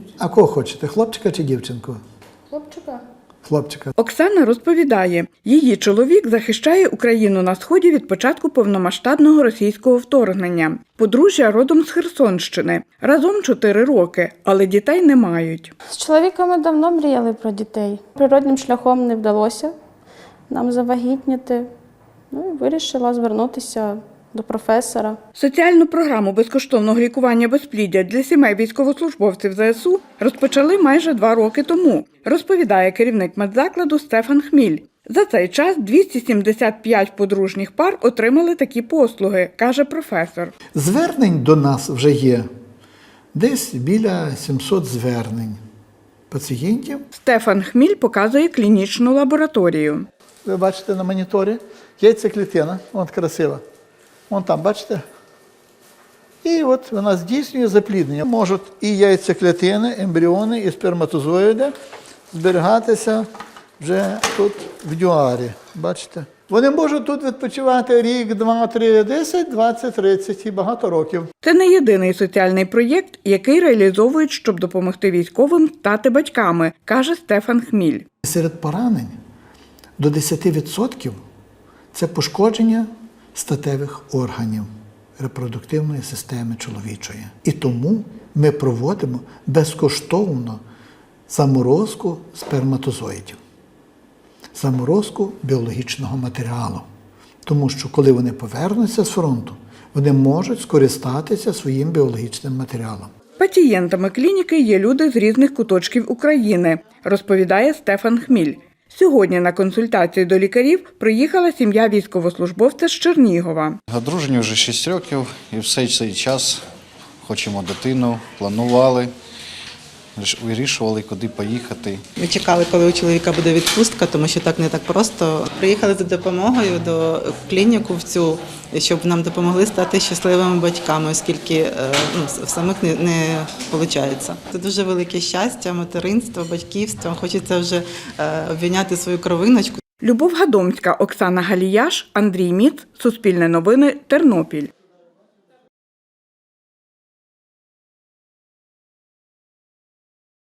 А кого хочете, хлопчика чи дівчинку? Хлопчика. Хлопчика. Оксана розповідає, її чоловік захищає Україну на Сході від початку повномасштабного російського вторгнення. Подружжя родом з Херсонщини. Разом 4 роки, але дітей не мають. З чоловіком ми давно мріяли про дітей. Природним шляхом не вдалося нам завагітніти. Ну і вирішила звернутися до професора. Соціальну програму безкоштовного лікування безпліддя для сімей військовослужбовців ЗСУ розпочали майже 2 роки тому, розповідає керівник медзакладу Стефан Хміль. За цей час 275 подружніх пар отримали такі послуги, каже професор. Звернень до нас вже є десь біля 700 звернень пацієнтів. Стефан Хміль показує клінічну лабораторію. Ви бачите на моніторі, яйцеклітина, вон красива. Вон там, бачите? І от вона здійснює запліднення. Можуть і яйцеклітини, ембріони, і сперматозоїди зберігатися вже тут в дюарі. Бачите? Вони можуть тут відпочивати рік, 2, 3, 10, 20, 30 і багато років. Це не єдиний соціальний проєкт, який реалізовують, щоб допомогти військовим стати батьками, каже Стефан Хміль. Серед поранень до 10% це пошкодження статевих органів репродуктивної системи чоловічої. І тому ми проводимо безкоштовно заморозку сперматозоїдів, заморозку біологічного матеріалу. Тому що коли вони повернуться з фронту, вони можуть скористатися своїм біологічним матеріалом. Пацієнтами клініки є люди з різних куточків України, розповідає Стефан Хміль. Сьогодні на консультацію до лікарів приїхала сім'я військовослужбовця з Чернігова. Одружені вже 6 років і все цей час хочемо дитину, планували, вирішували, куди поїхати. Ми чекали, коли у чоловіка буде відпустка, тому що так не так просто. Приїхали за допомогою до клініку в цю, щоб нам допомогли стати щасливими батьками, оскільки в самих не виходить. Це дуже велике щастя, материнство, батьківство. Хочеться вже обійняти свою кровиночку. Любов Гадомська, Оксана Галіяш, Андрій Міц, Суспільне новини, Тернопіль.